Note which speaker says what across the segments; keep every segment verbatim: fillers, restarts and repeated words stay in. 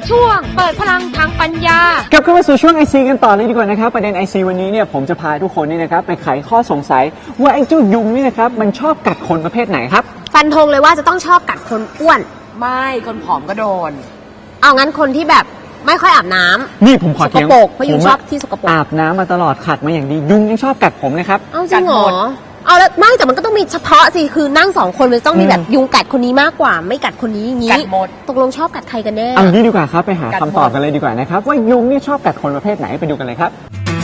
Speaker 1: ช่วงเปิดพลังทางปัญญาก
Speaker 2: ลับเข้ามาสู่ช่วง ไอ ซี กันต่อเลยดีกว่านะครับประเด็น ไอ ซี วันนี้เนี่ยผมจะพาทุกคนนี่นะครับไปไขข้อสงสัยว่าไอ้เจ้ายุงนี่นะครับมันชอบกัดคนประเภทไหนครับ
Speaker 3: ฟันธงเลยว่าจะต้องชอบกัดคนอ้วน
Speaker 4: ไม่คนผอมก็โดน
Speaker 3: เอางั้นคนที่แบบไม่ค่อยอาบน้ำ
Speaker 2: นี่ผมขอเถียง
Speaker 3: สกปรกเพราะยุงชอบที่สกปรก
Speaker 2: อาบน้ำมาตลอดขัดมาอย่างดียุงยังชอบกัดผมเลยครับ
Speaker 3: เอาจริงเหรอเอาแล้วไม่แต่มันก็ต้องมีเฉพาะสิคือนั่งสองคนมันต้องมีแบบยุงกัดคนนี้มากกว่าไม่กัดคนนี้อย่างนี้
Speaker 4: กัดหมด
Speaker 3: ตกลงชอบกัดใครกันแน่
Speaker 2: เอางี้ดีกว่าครับไปหาคำตอบกันเลยดีกว่านะครับว่ายุงนี่ชอบกัดคนประเภทไหนไปดูกันเลยครับ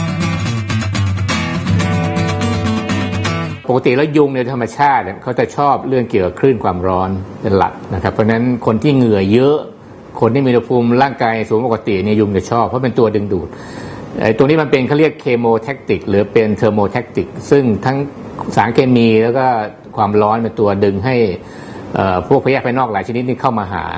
Speaker 5: ปกติแล้วยุงในธรรมชาติเขาจะชอบเรื่องเกี่ยวกับคลื่นความร้อนเป็นหลักนะครับเพราะฉะนั้นคนที่เหงื่อเยอะคนที่มีอุณหภูมิร่างกายสูงปกติเนี่ยยุงจะชอบเพราะเป็นตัวดึงดูดไอ้ตัวนี้มันเป็นเขาเรียกเคมีแทคติกหรือเป็นเทอร์โมแทคติกซึ่งทั้งสารเคมีแล้วก็ความร้อนเป็นตัวดึงให้พวกพยาธิภายนอกหลายชนิดนี้เข้ามาหา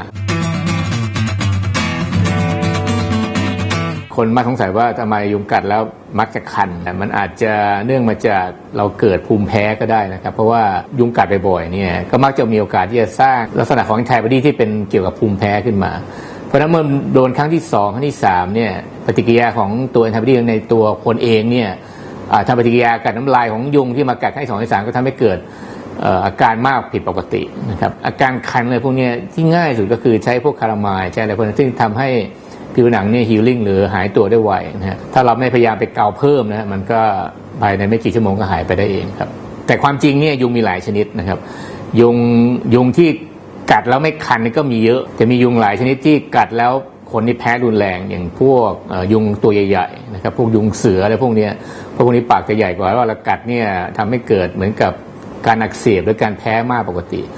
Speaker 5: คนมาสงสัยว่าทำไมยุงกัดแล้วมักจะคันมันอาจจะเนื่องมาจากเราเกิดภูมิแพ้ก็ได้นะครับเพราะว่ายุงกัดบ่อยๆเนี่ยก็มักจะมีโอกาสที่จะสร้างลักษณะของแอนติบอดีที่เป็นเกี่ยวกับภูมิแพ้ขึ้นมาเพราะฉะนั้นเมื่อโดนครั้งที่สองครั้งที่สามเนี่ยปฏิกิริยาของตัวแอนติบอดีในตัวคนเองเนี่ยทำปฏิกิริยากัดน้ำลายของยุงที่มากัดครั้งที่สองที่สามก็ทำให้เกิดอาการมากผิดปกตินะครับอาการคันอะไรพวกนี้ที่ง่ายสุดก็คือใช้พวกคาราไมล์ใช้อะไรพวกนั้นซึ่งทำให้ผิวหนังเนี่ยฮีลลิ่งหรือหายตัวได้ไวนะฮะถ้าเราไม่พยายามไปเกาเพิ่มนะมันก็ภายในไม่กี่ชั่วโมงก็หายไปได้เองครับแต่ความจริงเนี่ยยุงมีหลายชนิดนะครับยุงยุงที่กัดแล้วไม่คันก็มีเยอะจะมียุงหลายชนิดที่กัดแล้วคนที่แพ้รุนแรงอย่างพวกยุงตัวใหญ่ๆนะครับพวกยุงเสืออะไรพวกนี้พวกนี้ปากจะใหญ่กว่าว่าเรากัดเนี่ยทำให้เกิดเหมือนกับการอักเสบหรือการแพ้มากปกติ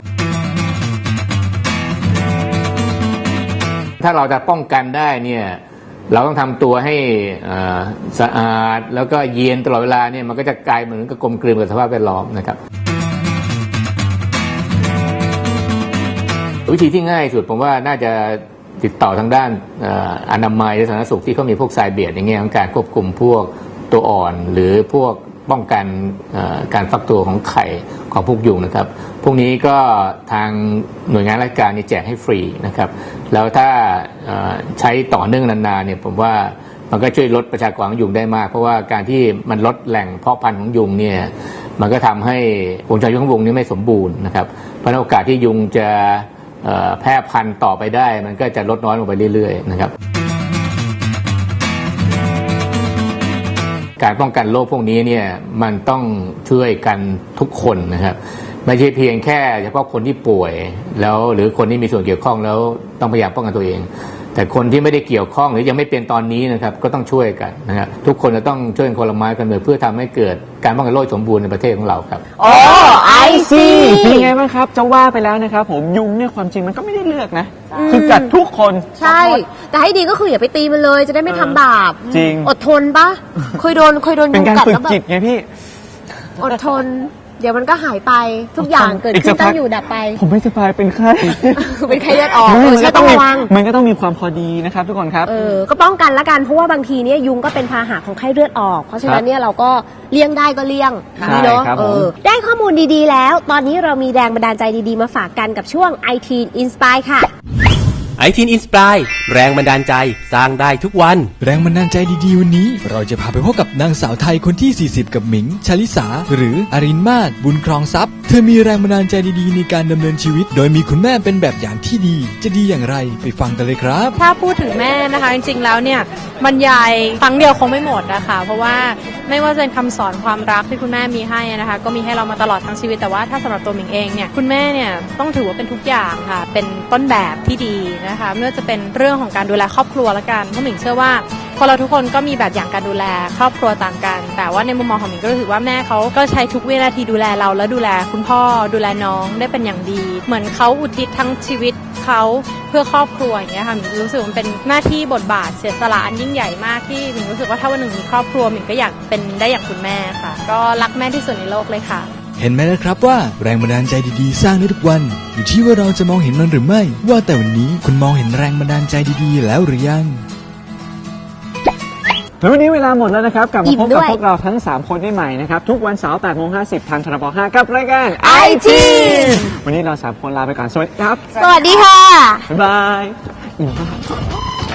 Speaker 5: ถ้าเราจะป้องกันได้เนี่ยเราต้องทำตัวให้สะอาดแล้วก็เย็นตลอดเวลาเนี่ยมันก็จะกลายเหมือนกับกลมกลืนกับสภาพแวดล้อมนะครับวิธีที่ง่ายสุดผมว่าน่าจะติดต่อทางด้านอนามัยและสาธารณสุขที่เขามีพวกทรายเบียดอย่างเงี้ยของการควบคุมพวกตัวอ่อนหรือพวกป้องกันการฟักตัวของไข่ของพวกยุงนะครับพวกนี้ก็ทางหน่วยงานราชการนี่แจกให้ฟรีนะครับแล้วถ้าใช้ต่อเนื่องนานๆเนี่ยผมว่ามันก็ช่วยลดประชากรของยุงได้มากเพราะว่าการที่มันลดแหล่งเพาะพันธุ์ของยุงเนี่ยมันก็ทำให้วงจรชีวิตของยุงนี้ไม่สมบูรณ์นะครับเพราะโอกาสที่ยุงจะแพร่พันธุ์ต่อไปได้มันก็จะลดน้อยลงไปเรื่อยๆนะครับการป้องกันโรคพวกนี้เนี่ยมันต้องช่วยกันทุกคนนะครับไม่ใช่เพียงแค่เฉพาะคนที่ป่วยแล้วหรือคนที่มีส่วนเกี่ยวข้องแล้วต้องพยายามป้องกันตัวเองแต่คนที่ไม่ได้เกี่ยวข้องหรือยังไม่เป็นตอนนี้นะครับก็ต้องช่วยกันนะครับทุกคนจะต้องช่วยคนละไม้คนละมือเพื่อทำให้เกิดการป้องกันโรคสมบูรณ์ในประเทศของเราครับ
Speaker 2: อ๋อไอซีเป็นไงบ้างครับจะว่าไปแล้วนะครับผมยุงเนี่ยความจริงมันก็ไม่ได้เลือกนะคือกัดทุกคน
Speaker 3: ใช่แต่ให้ดีก็คืออย่าไปตีมันเลยจะได้ไม่ทำบาป
Speaker 2: จริง
Speaker 3: อดทนปะเคยโดนเคยโดนยุงกัดแล้วแบบ
Speaker 2: เป็นการฝึกจิตไงพี่
Speaker 3: อดทนเดี๋ยวมันก็หายไปทุกอย่างเกิดขึ้นตั้งอยู่ดับไป
Speaker 2: ผมไม่สบายเป็นไข้
Speaker 3: เป็นไข้เลือดออกมันก็ต้องระวัง
Speaker 2: มันก็ต้องมีความพอดีนะครับทุกคนครับ
Speaker 3: เออก็ป้องกันละกันเพราะว่าบางทีเนี่ยยุงก็เป็นพาหะของไข้เลือดออกเพราะฉะนั้นเนี่ยเราก็เลี่ยงได้ก็เลี่ยง
Speaker 2: นี่
Speaker 3: เนาะ
Speaker 2: เออ
Speaker 3: ได้ข้อมูลดีๆแล้วตอนนี้เรามีแรงบันดาลใจดีๆมาฝากกันกับช่วง ไอ ที Inspire ค่ะ
Speaker 6: ไอ ที Inspire แรงบันดาลใจสร้างได้ทุกวัน
Speaker 7: แรงบันดาลใจดีๆวันนี้เราจะพาไปพบกับนางสาวไทยคนที่สี่สิบกับหมิงชลิสาหรืออรินมาศบุญครองทรัพย์เธอมีแรงบันดาลใจดีๆในการดำเนินชีวิตโดยมีคุณแม่เป็นแบบอย่างที่ดีจะดีอย่างไรไปฟังกันเลยครับ
Speaker 1: ถ้าพูดถึงแม่นะคะจริงๆแล้วเนี่ยบรรยายครั้งเดียวคงไม่หมดนะคะเพราะว่าไม่ว่าจะเป็นคำสอนความรักที่คุณแม่มีให้นะคะก็มีให้เรามาตลอดทั้งชีวิตแต่ว่าถ้าสำหรับตัวหมิงเองเนี่ยคุณแม่เนี่ยต้องถือว่าเป็นทุกอย่างค่ะเป็นต้นแบบที่ดีนะคะไม่ว่าจะเป็นเรื่องของการดูแลครอบครัวละกันเพราะหมิงเชื่อว่าคนเราทุกคนก็มีแบบอย่างการดูแลครอบครัวต่างกันแต่ว่าในมุมมองของหมิงก็รู้สึกว่าแม่เขาก็ใช้ทุกวินาทีดูแลเราและดูแลคุณพ่อดูแลน้องได้เป็นอย่างดีเหมือนเขาอุทิศทั้งชีวิตเขาเพื่อครอบครัวอย่างเงี้ยค่ะหมิงรู้สึกมันเป็นหน้าที่บทบาทเสียสละอันยิ่งใหญ่มากที่หมิงรู้สึกว่าถ้าวันหนึ่งมีครอบครัวหมิงก็อยากเป็นได้อย่างคุณแม่ค่ะก็รักแม่ที่สุดในโลกเลยค่ะ
Speaker 7: เห็นไหมนะครับว่าแรงบันดาลใจดีๆสร้างได้ทุกวันอยู่ที่ว่าเราจะมองเห็นมันหรือไม่ว่าแต่วันนี้คุณมองเห็นแรงบันดาลใจดีๆแล้วหรือยัง
Speaker 2: แล้ววันนี้เวลาหมดแล้วนะครับกลับมาพบกับพวกเราทั้งสามคนได้ใหม่นะครับทุกวันเสาร์ แปดโมงห้าสิบ ทางทรบห้ากับรายการ
Speaker 3: ไอ ที
Speaker 2: วันนี้เราสามคนลาไปก่อนสวัสดีครับ
Speaker 3: สวัสดีค่ะ
Speaker 2: บ๊ายบาย